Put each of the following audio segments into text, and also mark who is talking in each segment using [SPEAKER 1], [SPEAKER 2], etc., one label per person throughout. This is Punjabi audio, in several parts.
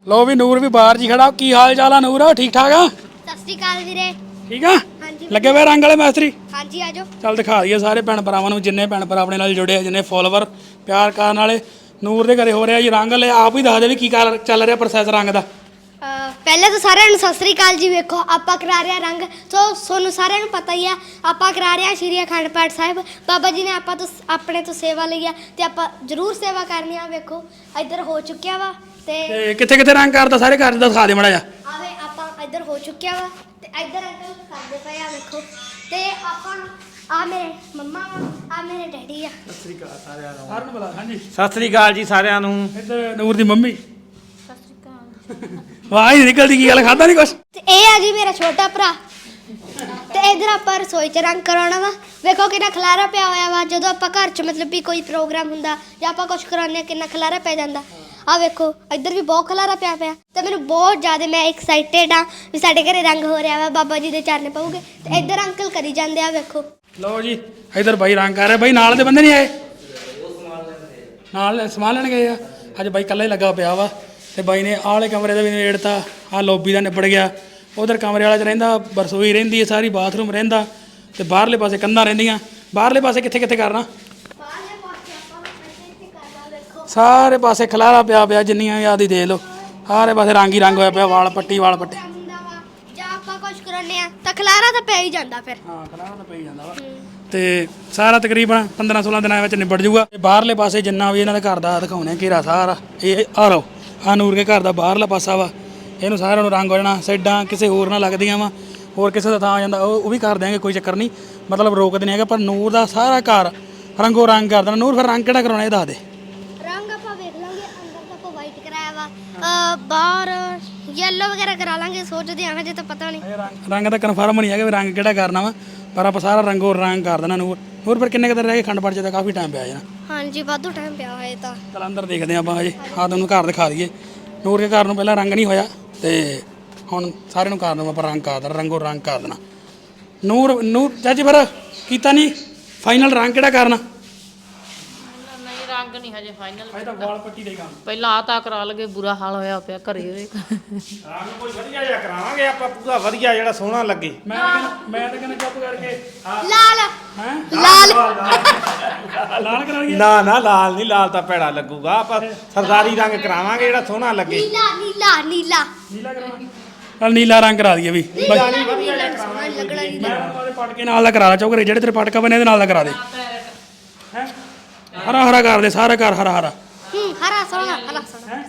[SPEAKER 1] लो भी नूर भी बाहर जी खड़ा। की हाल चाल है नूर? ठीक ठाक आ?
[SPEAKER 2] सत श्री अकाल वीरे।
[SPEAKER 1] ठीक आ?
[SPEAKER 2] ਹਾਂਜੀ
[SPEAKER 1] लगे हुए रंग वाले मैस्त्री?
[SPEAKER 2] ਹਾਂਜੀ ਆਜੋ।
[SPEAKER 1] ਚੱਲ ਦਿਖਾ ਦਈਏ ਸਾਰੇ ਭੈਣ ਭਰਾਵਾਂ ਨੂੰ ਜਿੰਨੇ ਭੈਣ ਭਰਾ ਆਪਣੇ ਨਾਲ ਜੁੜੇ ਆ, ਜਿੰਨੇ ਫੋਲੋਵਰ ਪਿਆਰ ਕਰਨ ਵਾਲੇ। ਨੂਰ ਦੇ ਘਰੇ ਹੋ ਰਿਹਾ ਜੀ ਰੰਗ। ਲੈ ਆਪ ਹੀ ਦੱਸ ਦੇ ਵੀ ਕੀ ਚੱਲ ਰਿਹਾ ਪ੍ਰੋਸੈਸ ਰੰਗ ਦਾ।
[SPEAKER 2] ਪਹਿਲੇ ਤਾਂ ਸਾਰਿਆਂ ਨੂੰ ਸਤਿ ਸ੍ਰੀ ਅਕਾਲ ਜੀ। ਵੇਖੋ ਆਪਾਂ ਕਰਾ ਰਹੇ ਹਾਂ ਰੰਗ। ਸੋ ਤੁਹਾਨੂੰ ਸਾਰਿਆਂ ਨੂੰ ਪਤਾ ਹੀ ਆ ਆਪਾਂ ਕਰਾ ਰਹੇ ਹਾਂ ਸ਼੍ਰੀ ਅਖੰਡ ਪਾਠ ਸਾਹਿਬ। ਬਾਬਾ ਜੀ ਨੇ ਆਪਾਂ ਤੋਂ ਆਪਣੇ ਤੋਂ ਸੇਵਾ ਲਈ ਆ ਤੇ ਆਪਾਂ ਜ਼ਰੂਰ ਸੇਵਾ ਕਰਨੀ ਆ। ਵੇਖੋ ਇੱਧਰ ਹੋ ਚੁੱਕਿਆ ਵਾ ਤੇ
[SPEAKER 1] ਕਿੱਥੇ ਕਿੱਥੇ ਰੰਗ ਕਰਦਾ ਸਾਰੇ ਘਰ ਦਾ ਦਿਖਾ ਦੇ ਮਾੜਾ ਜਿਹਾ।
[SPEAKER 2] ਆਵੇ ਆਪਾਂ ਇੱਧਰ ਹੋ ਚੁੱਕਿਆ ਵਾ ਤੇ ਇੱਧਰ ਅੰਕਲ ਕਰਦੇ ਪਏ ਆ। ਵੇਖੋ ਤੇ ਆਪਾਂ ਆ ਮੇਰੇ ਮੰਮਾ ਵਾ, ਆ ਮੇਰੇ ਡੈਡੀ ਆ।
[SPEAKER 1] ਸਤਿ ਸ੍ਰੀ ਅਕਾਲ ਸਾਰਿਆਂ ਨੂੰ। ਸਾਰਿਆਂ ਨੂੰ ਬੁਲਾ। ਹਾਂਜੀ
[SPEAKER 3] ਸਤਿ ਸ੍ਰੀ ਅਕਾਲ ਜੀ ਸਾਰਿਆਂ ਨੂੰ।
[SPEAKER 1] ਇੱਧਰ ਨੂਰ ਦੀ ਮੰਮੀ। ਵਾਹ ਹੀ ਨਿਕਲਦੀ ਕੀ ਗੱਲ, ਖਾਦਾ ਨਹੀਂ ਕੁਛ?
[SPEAKER 2] ਤੇ ਇਹ ਆ ਜੀ ਮੇਰਾ ਛੋਟਾ ਭਰਾ। ਤੇ ਇਧਰ ਆਪਾਂ ਰਸੋਈ 'ਚ ਰੰਗ ਕਰਾਉਣਾ ਵਾ। ਵੇਖੋ ਕਿੰਨਾ ਖਲਾਰਾ ਪਿਆ ਹੋਇਆ ਵਾ। ਜਦੋਂ ਆਪਾਂ ਘਰ 'ਚ ਮਤਲਬ ਵੀ ਕੋਈ ਪ੍ਰੋਗਰਾਮ ਹੁੰਦਾ ਜਾਂ ਆਪਾਂ ਕੁਝ ਕਰਾਉਂਦੇ ਕਿੰਨਾ ਖਲਾਰਾ ਪੈ ਜਾਂਦਾ। ਆ ਵੇਖੋ ਇੱਧਰ ਵੀ ਬਹੁਤ ਖਲਾਰਾ ਪਿਆ ਤੇ ਮੈਨੂੰ ਬਹੁਤ ਜ਼ਿਆਦਾ ਮੈਂ ਐਕਸਾਈਟਡ ਆ ਵੀ ਸਾਡੇ ਘਰੇ ਰੰਗ ਹੋ ਰਿਹਾ ਵਾ। ਬਾਬਾ ਜੀ ਦੇ ਚਰਨ ਪਊਗੇ ਤੇ ਇੱਧਰ ਅੰਕਲ ਕਰੀ ਜਾਂਦੇ ਆ। ਵੇਖੋ
[SPEAKER 1] ਲਓ ਜੀ ਇੱਧਰ ਬਾਈ ਰੰਗ ਕਰ ਰਿਹਾ। ਬਾਈ ਨਾਲ ਦੇ ਬੰਦੇ ਨਹੀਂ ਆਏ? ਨਾਲ ਸਮਾਨ ਲੈਣ ਗਏ ਆ। ਅੱਜ ਬਾਈ ਇਕੱਲਾ ਹੀ ਲੱਗਾ ਪਿਆ ਵਾ। ਤੇ ਬਾਈ ਨੇ ਆਹ ਵਾਲੇ ਕਮਰੇ ਦਾ ਵੀ ਨਿਬੇੜਤਾ। ਆਹ ਲੌਬੀ ਦਾ ਨਿਬੜ ਗਿਆ। ਉਧਰ ਕਮਰੇ ਵਾਲਾ 'ਚ ਰਹਿੰਦਾ, ਰਸੋਈ ਰਹਿੰਦੀ ਹੈ ਸਾਰੀ, ਬਾਥਰੂਮ ਰਹਿੰਦਾ ਤੇ ਬਾਹਰਲੇ ਪਾਸੇ ਕੰਧਾਂ ਰਹਿੰਦੀਆਂ। ਬਾਹਰਲੇ ਪਾਸੇ ਕਿੱਥੇ ਕਿੱਥੇ ਕਰਨਾ? ਸਾਰੇ ਪਾਸੇ ਖਲਾਰਾ ਪਿਆ ਜਿੰਨੀਆਂ ਵੀ ਆਦੀ ਦੇ ਲਓ। ਸਾਰੇ ਪਾਸੇ ਰੰਗ ਹੀ ਰੰਗ ਹੋਇਆ ਪਿਆ। ਵਾਲ ਪੱਟੇ
[SPEAKER 2] ਜਾਂ ਆਪਾਂ ਕੁਝ ਕਰਾਉਂਦੇ ਆ ਤਾਂ ਖਲਾਰਾ ਤਾਂ ਪੈ ਹੀ ਜਾਂਦਾ ਫਿਰ।
[SPEAKER 1] ਹਾਂ ਖਲਾਰਾ ਤਾਂ ਪਈ ਜਾਂਦਾ ਵਾ। ਤੇ ਸਾਰਾ ਤਕਰੀਬਨ 15-16 ਦਿਨਾਂ ਵਿੱਚ ਨਿਬੜ ਜੂਗਾ। ਬਾਹਰਲੇ ਪਾਸੇ ਜਿੰਨਾ ਵੀ ਇਹਨਾਂ ਦੇ ਘਰ ਦਾ ਦਿਖਾਉਣੇ ਘੇਰਾ ਸਾਰਾ ਇਹ ਆ ਲਓ। ਆ ਨੂਰ ਕੇ ਘਰ ਦਾ ਬਾਹਰਲਾ ਪਾਸਾ ਵਾ। ਇਹਨੂੰ ਸਾਰਿਆਂ ਨੂੰ ਰੰਗ ਹੋ ਜਾਣਾ। ਸਾਈਡਾਂ ਕਿਸੇ ਹੋਰ ਨਾਲ ਲੱਗਦੀਆਂ ਵਾ, ਹੋਰ ਕਿਸੇ ਦਾ ਥਾਂ ਆ ਜਾਂਦਾ ਉਹ ਵੀ ਕਰ ਦਿਆਂਗੇ, ਕੋਈ ਚੱਕਰ ਨਹੀਂ। ਮਤਲਬ ਰੋਕਦੇ ਨਹੀਂ ਹੈਗਾ। ਪਰ ਨੂਰ ਦਾ ਸਾਰਾ ਘਰ ਰੰਗੋ ਰੰਗ ਕਰ ਦੇਣਾ। ਨੂਰ ਫਿਰ ਰੰਗ ਕਿਹੜਾ ਕਰਾਉਣਾ ਇਹ ਦੱਸ ਦੇ।
[SPEAKER 2] ਰੰਗ ਆਪਾਂ ਵੇਖ ਲਾਂਗੇ। ਅੰਦਰ ਤਾਂ ਆਪਾਂ ਵਾਈਟ ਕਰਾਇਆ ਵਾ, ਬਾਹਰ ਯੈਲੋ ਵਗੈਰਾ ਕਰਾ ਲਾਂਗੇ। ਸੋਚਦੇ ਆਂ ਹਜੇ ਤਾਂ ਪਤਾ ਨਹੀਂ।
[SPEAKER 1] ਰੰਗ ਦਾ ਕਨਫਰਮ ਨਹੀਂ ਹੈਗਾ ਵੀ ਰੰਗ ਕਿਹੜਾ ਕਰਨਾ ਵਾ, ਪਰ ਆਪਾਂ ਸਾਰਾ ਰੰਗੋ ਰੰਗ ਕਰ ਦੇਣਾ। ਨੂਰ ਫਿਰ ਕਿੰਨੇ ਕੁ ਦਿਨ ਰਹਿ ਗਏ ਅਖੰਡ ਪਾਠ 'ਚ? ਤਾਂ ਕਾਫੀ ਟਾਈਮ ਪਿਆ ਜਾਣਾ।
[SPEAKER 2] ਹਾਂਜੀ ਵਾਧੂ ਟਾਈਮ ਪਿਆ ਹੋਇਆ ਤਾਂ।
[SPEAKER 1] ਚੱਲ ਅੰਦਰ ਦੇਖਦੇ ਆਪਾਂ ਹਜੇ। ਆਹ ਤੁਹਾਨੂੰ ਘਰ ਦਿਖਾ ਦਈਏ। ਨੂਰ ਕੇ ਘਰ ਨੂੰ ਪਹਿਲਾਂ ਰੰਗ ਨਹੀਂ ਹੋਇਆ ਤੇ ਹੁਣ ਸਾਰਿਆਂ ਨੂੰ ਕਰ ਦੇਣਾ ਆਪਾਂ ਰੰਗ ਕਰ ਦੇਣਾ। ਰੰਗੋ ਰੰਗ ਕਰ ਦੇਣਾ। ਨੂਰ ਚਾਚੀ ਫਿਰ ਕੀਤਾ ਨਹੀਂ ਫਾਈਨਲ ਰੰਗ ਕਿਹੜਾ ਕਰਨਾ?
[SPEAKER 4] ਨਹੀਂ ਰੰਗ ਨਹੀਂ ਹਜੇ ਫਾਈਨਲ।
[SPEAKER 1] ਅਜੇ ਤਾਂ ਵਾਲ ਪੱਟੀ ਦੇ ਕੰਮ।
[SPEAKER 4] ਪਹਿਲਾਂ ਆ ਤਾਂ ਕਰਾ ਲਗੇ, ਬੁਰਾ ਹਾਲ ਹੋਇਆ ਪਿਆ ਘਰੇ।
[SPEAKER 3] ਰੰਗ ਕੋਈ ਵਧੀਆ ਜਿਹਾ ਕਰਾਵਾਂਗੇ ਆਪਾਂ, ਪੂਰਾ ਵਧੀਆ ਜਿਹੜਾ ਸੋਹਣਾ ਲੱਗੇ।
[SPEAKER 1] ਮੈਂ ਤਾਂ ਕਹਿੰਦਾ ਚੁੱਪ ਕਰਕੇ
[SPEAKER 2] ਲਾਲ
[SPEAKER 1] ਹੈ
[SPEAKER 2] ਲਾਲ
[SPEAKER 1] ਲਾਲ ਕਰਾ ਲਈਏ।
[SPEAKER 3] ਨਾ ਲਾਲ ਨਹੀਂ, ਲਾਲ ਤਾਂ ਭੈੜਾ ਲੱਗੂਗਾ। ਆਪਾਂ ਸਰਦਾਰੀ ਰੰਗ ਕਰਾਵਾਂਗੇ ਜਿਹੜਾ ਸੋਹਣਾ ਲੱਗੇ।
[SPEAKER 2] ਨੀਲਾ
[SPEAKER 1] ਨੀਲਾ ਕਰਾਵਾਂਗੇ। ਚੱਲ ਨੀਲਾ ਰੰਗ ਕਰਾ ਦਈਏ ਵੀ।
[SPEAKER 2] ਸੋਹਣਾ ਨੀ ਲੱਗਣਾ ਨੀਲਾ।
[SPEAKER 1] ਮੈਂ ਉਹਦੇ ਪਟਕੇ ਨਾਲ ਦਾ ਕਰਾ ਲਾ। ਚੌਕਰੇ ਜਿਹੜੇ ਤੇਰੇ ਪਟਕਾ ਬਣੇ ਇਹਦੇ ਨਾਲ ਦਾ ਕਰਾ ਦੇ। ਹੈ ਹਰਾ ਕਰ ਦੇ ਸਾਰਾ ਘਰ ਹਰਾ।
[SPEAKER 2] ਹਰਾ ਸੋਹਣਾ ਹਰਾ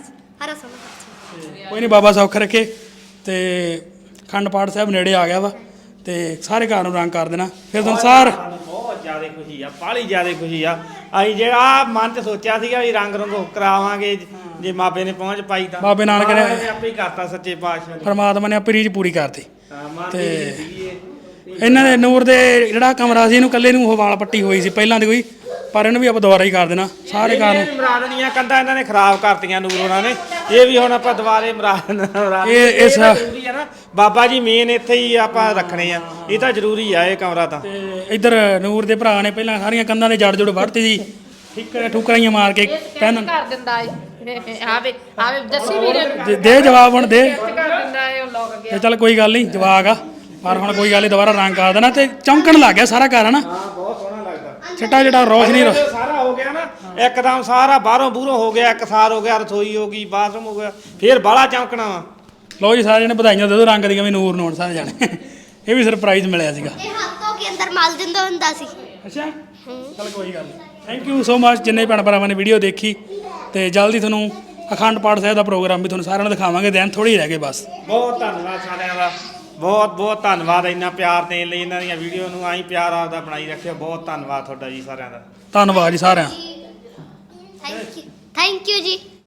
[SPEAKER 2] ਸੋਹਣਾ।
[SPEAKER 1] ਕੋਈ ਨਹੀਂ ਬਾਬਾ ਸੌਖ ਰੱਖੇ। ਤੇ ਅਖੰਡ ਪਾਠ ਸਾਹਿਬ ਨੇੜੇ ਆ ਗਿਆ ਵਾ ਤੇ ਸਾਰੇ ਘਰ ਨੂੰ ਰੰਗ ਕਰ ਦੇਣਾ। ਫਿਰ ਸੰਸਾਰ
[SPEAKER 3] ਬਹੁਤ ਜ਼ਿਆਦਾ ਖੁਸ਼ੀ ਆ, ਬਾਹਲੀ ਜ਼ਿਆਦਾ ਖੁਸ਼ੀ ਆ। ਅਸੀਂ ਜਿਹੜਾ ਮਨ 'ਚ ਸੋਚਿਆ ਸੀਗਾ ਵੀ ਰੰਗ ਰੰਗੋ ਕਰਾਵਾਂਗੇ, ਜੇ ਮਾਪੇ ਨੇ ਪਹੁੰਚ ਪਾਈ ਤਾਂ
[SPEAKER 1] ਬਾਬੇ ਨਾਨਕ ਨੇ
[SPEAKER 3] ਆਪੇ ਹੀ ਕਰਤਾ ਸੱਚੇ ਪਾਤਸ਼ਾਹ ਨੇ।
[SPEAKER 1] ਪਰਮਾਤਮਾ ਨੇ ਆਪਣੀ ਰੀਝ ਪੂਰੀ ਕਰਤੀ।
[SPEAKER 3] ਮਨ
[SPEAKER 1] ਤੇ
[SPEAKER 3] ਦੀ ਸੀਗੀ
[SPEAKER 1] ਇਹਨਾਂ ਦੇ ਨੂਰ ਦੇ ਜਿਹੜਾ ਕਮਰਾ ਸੀ ਇਹਨੂੰ ਇਕੱਲੇ ਨੂੰ ਉਹ ਵਾਲ ਪੱਟੀ ਹੋਈ ਸੀ ਪਹਿਲਾਂ ਦੀ ਕੋਈ, ਪਰ ਇਹਨੂੰ ਵੀ ਆਪਾਂ ਦੁਬਾਰਾ ਹੀ ਕਰ ਦੇਣਾ ਸਾਰੇ ਘਰ ਨੂੰ।
[SPEAKER 3] ਮਰਾਦਨੀਆਂ ਕੰਧਾਂ ਇਹਨਾਂ ਨੇ ਖਰਾਬ ਕਰਤੀਆਂ ਨੂਰ ਉਹਨਾਂ ਨੇ। ਇਹ ਵੀ ਹੁਣ ਆਪਾਂ ਦੁਬਾਰੇ
[SPEAKER 1] ਇਹ ਇਸ
[SPEAKER 3] ਜ਼ਰੂਰੀ ਆ ਨਾ। ਬਾਬਾ ਜੀ ਮੇਨ ਇੱਥੇ ਹੀ ਆਪਾਂ ਰੱਖਣੇ ਆ। ਇਹ ਤਾਂ ਜ਼ਰੂਰੀ ਆ ਇਹ ਕਮਰਾ ਤਾਂ।
[SPEAKER 1] ਤੇ ਇੱਧਰ ਨੂਰ ਦੇ ਭਰਾ ਨੇ ਪਹਿਲਾਂ ਸਾਰੀਆਂ ਕੰਧਾਂ ਦੇ ਜੜ ਜੁੜ ਵੱਢਤੀ ਸੀ। ਠੁਕਰਾਈਆਂ ਮਾਰ ਕੇ ਪੈਨ
[SPEAKER 4] ਕਰ ਦਿੰਦਾ ਏ। ਆਵੇ ਦੱਸੀ ਵੀਰੇ
[SPEAKER 1] ਦੇ ਜਵਾਬ ਹੁਣ ਦੇ।
[SPEAKER 4] ਕਰ ਦਿੰਦਾ ਏ ਉਹ ਲੋਕ
[SPEAKER 1] ਤੇ ਚੱਲ ਕੋਈ ਗੱਲ ਨਹੀਂ ਜਵਾਕ ਆ, ਪਰ ਹੁਣ ਕੋਈ ਗੱਲ ਨਹੀਂ ਦੁਬਾਰਾ ਰੰਗ ਕਰ ਦੇਣਾ। ਤੇ ਚਮਕਣ ਲੱਗ ਗਿਆ ਸਾਰਾ ਘਰ ਹਨਾ।
[SPEAKER 3] ਬਹੁਤ ਸੋਹਣਾ ਲੱਗਦਾ।
[SPEAKER 1] ਚਿੱਟਾ ਰੋਸ਼ਨੀ
[SPEAKER 3] ਸਾਰਾ ਹੋ ਗਿਆ ਨਾ ਇੱਕਦਮ। ਸਾਰਾ ਬਾਹਰੋਂ ਬੂਰੋਂ ਹੋ ਗਿਆ, ਇੱਕ ਸਾਰ ਹੋ ਗਿਆ, ਰਸੋਈ ਹੋ ਗਈ, ਬਾਥਰੂਮ ਹੋ ਗਿਆ, ਫੇਰ ਬਾਹਲਾ ਚਮਕਣਾ ਵਾ।
[SPEAKER 1] ਲਓ ਜੀ ਸਾਰੇ ਜਣੇ ਵਧਾਈਆਂ ਦੇ ਦਿਓ ਰੰਗ ਦੀਆਂ ਵੀ ਨੂਰ ਨੂੰ ਹੁਣ ਸਾਰੇ ਜਾਣੇ। ਇਹ ਵੀ ਸਰਪ੍ਰਾਈਜ਼ ਮਿਲਿਆ ਸੀਗਾ।
[SPEAKER 2] ਇਹ ਹੱਥ ਧੋ ਕੇ ਅੰਦਰ ਮਲ ਦਿੰਦਾ ਹੁੰਦਾ ਸੀ।
[SPEAKER 1] ਅੱਛਾ ਚੱਲ ਕੋਈ ਗੱਲ ਨਹੀਂ। ਥੈਂਕ ਯੂ ਸੋ ਮਚ ਜਿੰਨੇ ਭੈਣ ਭਰਾਵਾਂ ਨੇ ਵੀਡੀਓ ਦੇਖੀ। ਤੇ ਜਲਦੀ ਤੁਹਾਨੂੰ ਅਖੰਡ ਪਾਠ ਸਾਹਿਬ ਦਾ ਪ੍ਰੋਗਰਾਮ ਵੀ ਤੁਹਾਨੂੰ ਸਾਰਿਆਂ ਨੂੰ ਦਿਖਾਵਾਂਗੇ। ਦਿਨ ਥੋੜ੍ਹੇ ਹੀ ਰਹਿ ਗਏ ਬਸ।
[SPEAKER 3] ਬਹੁਤ ਧੰਨਵਾਦ ਸਾਰਿਆਂ ਦਾ, ਬਹੁਤ ਧੰਨਵਾਦ ਇੰਨਾ ਪਿਆਰ ਦੇਣ ਲਈ। ਇਹਨਾਂ ਦੀਆਂ ਵੀਡੀਓ ਨੂੰ ਆਈ ਪਿਆਰ ਆਪਦਾ ਬਣਾਈ ਰੱਖਿਓ। ਬਹੁਤ ਧੰਨਵਾਦ ਤੁਹਾਡਾ ਜੀ ਸਾਰਿਆਂ ਦਾ।
[SPEAKER 1] ਧੰਨਵਾਦ ਜੀ ਸਾਰਿਆਂ।
[SPEAKER 2] ਥੈਂਕ ਯੂ ਜੀ।